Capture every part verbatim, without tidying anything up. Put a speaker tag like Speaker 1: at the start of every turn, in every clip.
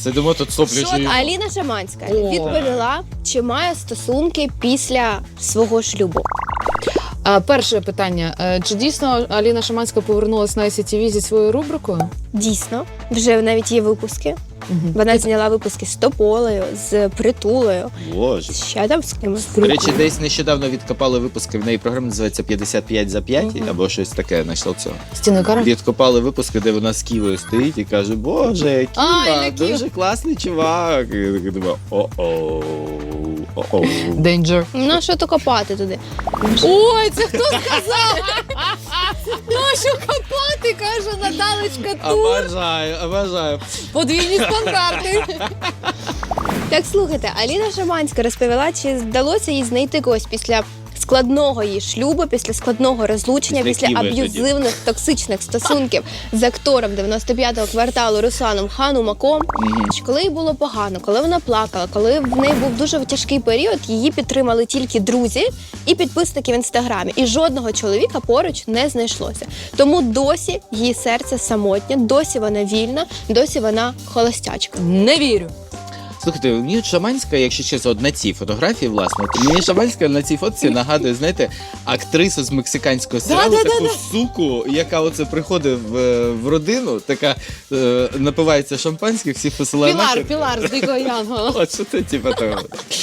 Speaker 1: Сидимо тут соплі
Speaker 2: Що
Speaker 1: жуємо.
Speaker 2: Аліна Шаманська
Speaker 3: О.
Speaker 2: відповіла, чи має стосунки після свого шлюбу.
Speaker 3: А, перше питання. Е, Чи дійсно Аліна Шаманська повернулася на ай сі ті ві зі своєю рубрикою?
Speaker 2: Дійсно, вже навіть є випуски.
Speaker 3: Угу.
Speaker 2: Вона зняла випуски з Тополею, з Притулею,
Speaker 1: Боже.
Speaker 2: ще там з кимось.
Speaker 1: До речі, десь нещодавно відкопали випуски, в неї програма називається п'ятдесят п'ять за п'ять,
Speaker 2: Мгм.
Speaker 1: або щось таке, знайшов цього.
Speaker 3: Стіною кара?
Speaker 1: Відкопали випуски, де вона з Ківою стоїть і каже, боже,
Speaker 3: Ай,
Speaker 1: Ківа,
Speaker 3: не Ків.
Speaker 1: дуже класний чувак. І я такий думаю, о-о, о-о.
Speaker 3: Danger.
Speaker 2: Ну, що то копати туди?
Speaker 3: Ой, це хто сказав? Ну, що копати, каже Наталечка Тур.
Speaker 1: Обожаю, обожаю.
Speaker 3: Подвійні стандарти.
Speaker 2: Так, слухайте, Аліна Шаманська розповіла, чи вдалося їй знайти когось після складного її шлюбу, після складного розлучення,
Speaker 1: Після
Speaker 2: після
Speaker 1: Ківи
Speaker 2: аб'юзивних токсичних стосунків з актором дев'яносто п'ятого кварталу Русланом Ханумаком. Що коли їй було погано, коли вона плакала, коли в неї був дуже тяжкий період, її підтримали тільки друзі і підписники в інстаграмі. І жодного чоловіка поруч не знайшлося. Тому досі її серце самотнє, досі вона вільна, досі вона холостячка.
Speaker 3: Не вірю.
Speaker 1: Слухайте, мені Шаманська, якщо чесно, от на цій фотографії, власне, от мені Шаманська на цій фотці нагадує, знаєте, актрису з мексиканського серіалу,
Speaker 3: Да, да,
Speaker 1: таку
Speaker 3: да,
Speaker 1: суку, яка оце приходить в, в родину, така е, напивається шампанське, всіх посилає
Speaker 3: Пілар,
Speaker 1: нахер.
Speaker 3: Пілар з Дикого Янгола.
Speaker 1: От що це, типу, того.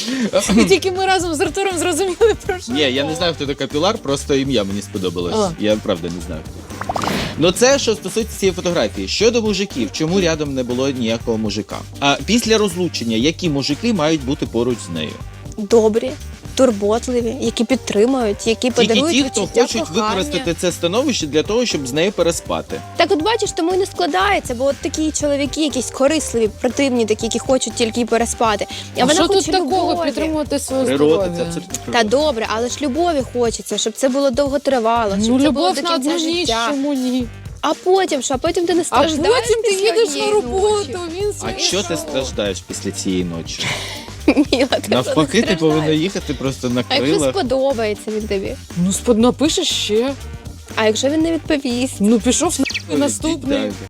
Speaker 3: І тільки ми разом з Артуром зрозуміли, про що.
Speaker 1: Ні, я не
Speaker 3: мова.
Speaker 1: знаю, хто така Пілар, просто ім'я мені сподобалось.
Speaker 3: А.
Speaker 1: Я правда не знаю. Ну це що стосується цієї фотографії. Щодо мужиків, чому рядом не було ніякого мужика? А після розлучення, які мужики мають бути поруч з нею?
Speaker 2: Добрі, турботливі, які підтримують, які
Speaker 1: Тільки
Speaker 2: подарують
Speaker 1: ті, хто
Speaker 2: відчуття
Speaker 1: хочуть
Speaker 2: кохання.
Speaker 1: використати це становище для того, щоб з нею переспати.
Speaker 2: Так от бачиш, тому і не складається, бо от такі чоловіки, якісь корисливі, противні, такі, які хочуть тільки переспати. А,
Speaker 3: А
Speaker 2: вона
Speaker 3: що тут
Speaker 2: хоче
Speaker 3: такого
Speaker 2: любові.
Speaker 3: підтримувати своє
Speaker 1: Природа, це
Speaker 3: здоров'я?
Speaker 1: абсолютно
Speaker 2: Та
Speaker 1: природа.
Speaker 2: добре, але ж любові хочеться, щоб це було довготривало, щоб
Speaker 3: Ну,
Speaker 2: це було
Speaker 3: любов
Speaker 2: до
Speaker 3: на
Speaker 2: кінця
Speaker 3: одну ніч,
Speaker 2: життя.
Speaker 3: чому ні?
Speaker 2: А потім що? А потім ти не
Speaker 3: А
Speaker 2: страждаєш
Speaker 3: потім ти
Speaker 2: після
Speaker 3: їдеш на
Speaker 2: однієї
Speaker 3: роботу,
Speaker 2: ночі?
Speaker 3: він
Speaker 1: А
Speaker 3: своє
Speaker 1: що ти
Speaker 3: шоу.
Speaker 1: страждаєш після цієї ночі?
Speaker 2: Міла, ти
Speaker 1: Навпаки,
Speaker 2: не
Speaker 1: ти повинна
Speaker 2: страждаєш.
Speaker 1: їхати просто на
Speaker 2: А якщо
Speaker 1: крилах.
Speaker 2: сподобається він тобі?
Speaker 3: Ну, спод напишеш ще.
Speaker 2: А якщо він не відповість?
Speaker 3: Ну, пішов на наступний.
Speaker 1: Далі.